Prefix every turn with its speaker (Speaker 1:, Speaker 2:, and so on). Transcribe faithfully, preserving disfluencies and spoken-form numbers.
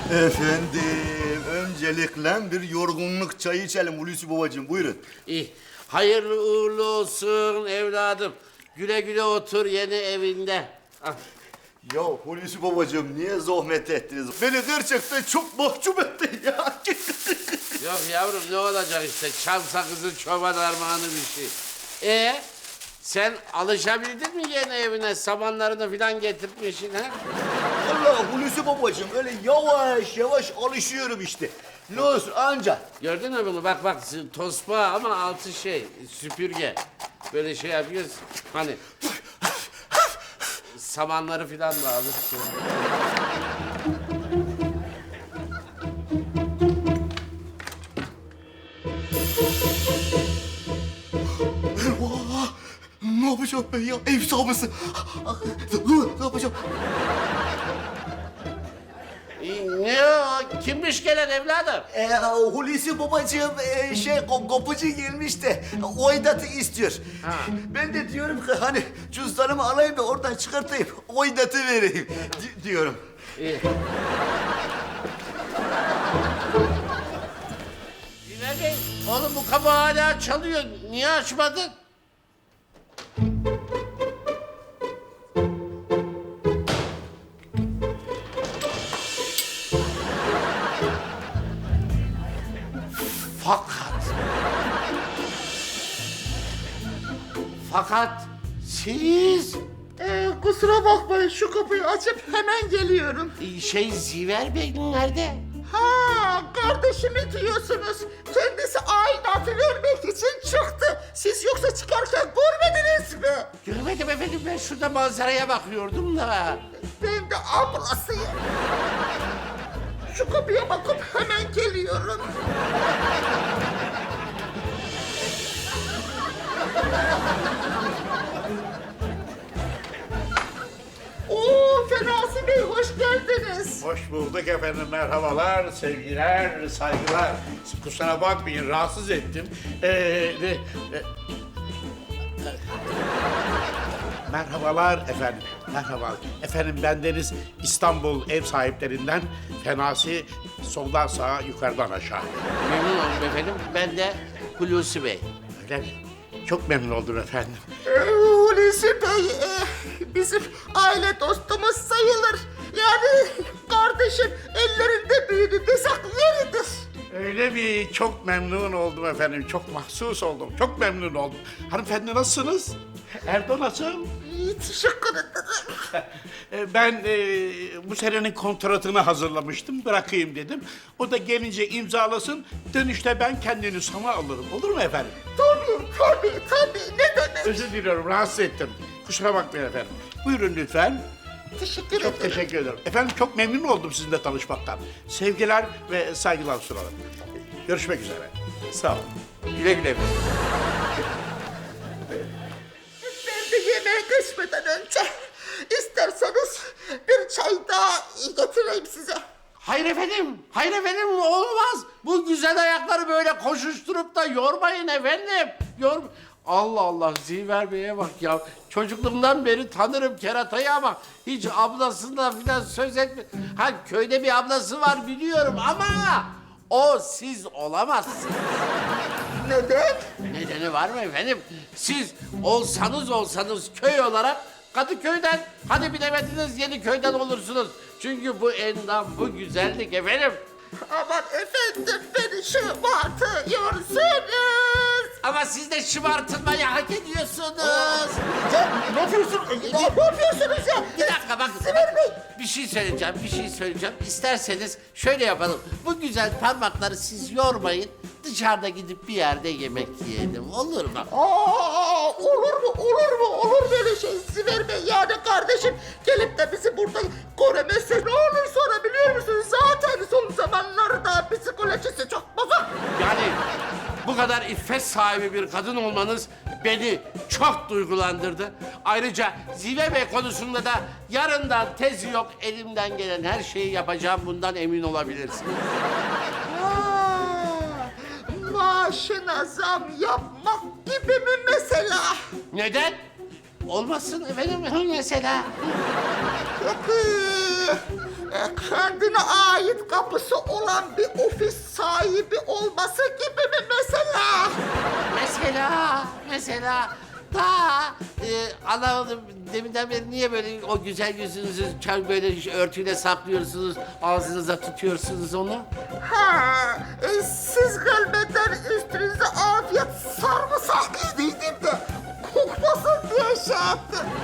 Speaker 1: Efendim, öncelikle bir yorgunluk çayı içelim Hulusi babacığım, buyurun.
Speaker 2: İyi. Hayırlı uğurlu olsun evladım. Güle güle otur yeni evinde. Ah.
Speaker 1: Ya Hulusi babacığım, niye zahmet ettiniz? Beni gerçekten çok mahcup ettin ya.
Speaker 2: Yok yavrum ne olacak işte çam sakızı çoban armağanı bir şey. Ee sen alışabildin mi yeni evine? Samanlarını falan getirtmişsin ha?
Speaker 1: Allah Hulusi babacığım, öyle yavaş yavaş alışıyorum işte. Ne olsun anca.
Speaker 2: Gördün mü bunu? Bak bak tosba ama altı şey süpürge. Böyle şey yapıyoruz hani samanları falan da alır.
Speaker 1: Eyvah! Ne yapacağım ben ya? Ev sahibi. Ne yapacağım?
Speaker 2: Ne o? Kimmiş gelen evladım?
Speaker 1: Ee, Hulusi babacığım e, şey ko- kapıcı gelmiş de oydatı istiyor.
Speaker 2: Ha.
Speaker 1: Ben de diyorum ki hani cüzdanımı alayım da oradan çıkartayım oydatı vereyim di- diyorum.
Speaker 2: İyi. Bilal Bey, oğlum bu kapı hala çalıyor. Niye açmadın? Fakat... Fakat siz...
Speaker 3: Ee, kusura bakmayın şu kapıyı açıp hemen geliyorum.
Speaker 2: Şey Ziver Bey nerede?
Speaker 3: Ha kardeşimi diyorsunuz. Kendisi aidatı vermek için çıktı. Siz yoksa çıkarken görmediniz mi?
Speaker 2: Görmedim efendim ben şurada manzaraya bakıyordum da.
Speaker 3: Ben de ablasıyım. Şu kapıya bakıp hemen geliyorum. Oo Fenasi Bey hoş geldiniz.
Speaker 4: Hoş bulduk efendim, merhabalar, sevgiler, saygılar. Kusura bakmayın, rahatsız ettim. Ee, de, e, merhabalar efendim, merhaba. Efendim bendeniz İstanbul ev sahiplerinden Fenasi, soldan sağa, yukarıdan aşağı.
Speaker 2: Memnun oldum efendim. Ben de Hulusi Bey.
Speaker 4: Öyle mi? Çok memnun oldum efendim.
Speaker 3: Ee, Hulusi Bey e, bizim aile dostumuz sayılır. Yani kardeşim ellerinde büyüdü desek yeridir.
Speaker 4: Öyle mi? Çok memnun oldum efendim, çok mahsus oldum, çok memnun oldum. Hanımefendi nasılsınız? Erdo nasıl?
Speaker 3: İyi teşekkür ederim.
Speaker 4: E, Ben e, bu senenin kontratını hazırlamıştım, bırakayım dedim. O da gelince imzalasın, dönüşte ben kendini sana alırım. Olur mu efendim?
Speaker 3: Tabii tabii tabii ne demek.
Speaker 4: Özür diliyorum, rahatsız ettim. Kusura bakmayın efendim. Buyurun lütfen.
Speaker 3: Teşekkür
Speaker 4: Çok
Speaker 3: ederim.
Speaker 4: teşekkür ederim. Efendim çok memnun oldum sizinle tanışmaktan. Sevgiler ve saygılar sunarım. Görüşmek üzere. Sağ olun.
Speaker 2: Güle güle.
Speaker 3: Ben de yemeğe geçmeden önce isterseniz bir çay daha getireyim size.
Speaker 2: Hayır efendim, hayır efendim olmaz. Bu güzel ayakları böyle koşuşturup da yormayın efendim. Yor... Allah Allah Ziver Bey'e bak ya. Çocukluğumdan beri tanırım keratayı ama hiç ablasından falan söz etme. Ha köyde bir ablası var biliyorum ama o siz olamazsınız.
Speaker 3: Neden?
Speaker 2: Nedeni var mı efendim? Siz olsanız olsanız köy olarak Kadıköy'den, hadi bilemediniz Yeniköy'den olursunuz. Çünkü bu endam, bu güzellik efendim.
Speaker 3: Aman efendim beni şımartıyorsunuz.
Speaker 2: Ama siz de şımartılmayı hak ediyorsunuz.
Speaker 3: Ya ne yapıyorsun? Ne yapıyorsunuz ya?
Speaker 2: Bir dakika bak.
Speaker 3: Ziver Bey.
Speaker 2: Bir şey söyleyeceğim, bir şey söyleyeceğim. İsterseniz şöyle yapalım. Bu güzel parmakları siz yormayın. Dışarıda gidip bir yerde yemek yiyelim. Olur mu?
Speaker 3: Aa, olur mu? Olur mu? Olur böyle şey Ziver Bey. Yani kardeşim gelip de bizi burada göremezse ne olur sonra biliyor musunuz? Zaten son zamanlarda psikolojisi çok bozuk.
Speaker 2: Yani bu kadar iffet sahibi bir kadın olmanız beni çok duygulandırdı. Ayrıca Zive Bey konusunda da yarından tezi yok. Elimden gelen her şeyi yapacağım. Bundan emin olabilirsiniz.
Speaker 3: Aa, maaşına zam yapmak gibi mi mesela?
Speaker 2: Neden? Olmasın efendim mesela.
Speaker 3: Peki e, kendine ait kapısı olan bir ofis sahibi olması gibi mi mesela?
Speaker 2: Mesela, mesela daha e, anlamadım deminden beri niye böyle o güzel yüzünüzü çar- böyle örtüyle saklıyorsunuz, ağzınıza tutuyorsunuz onu?
Speaker 3: Ha, e, siz gelmeden üstünüze afiyet sarımsak yedim de kokmasın diye şey yaptım.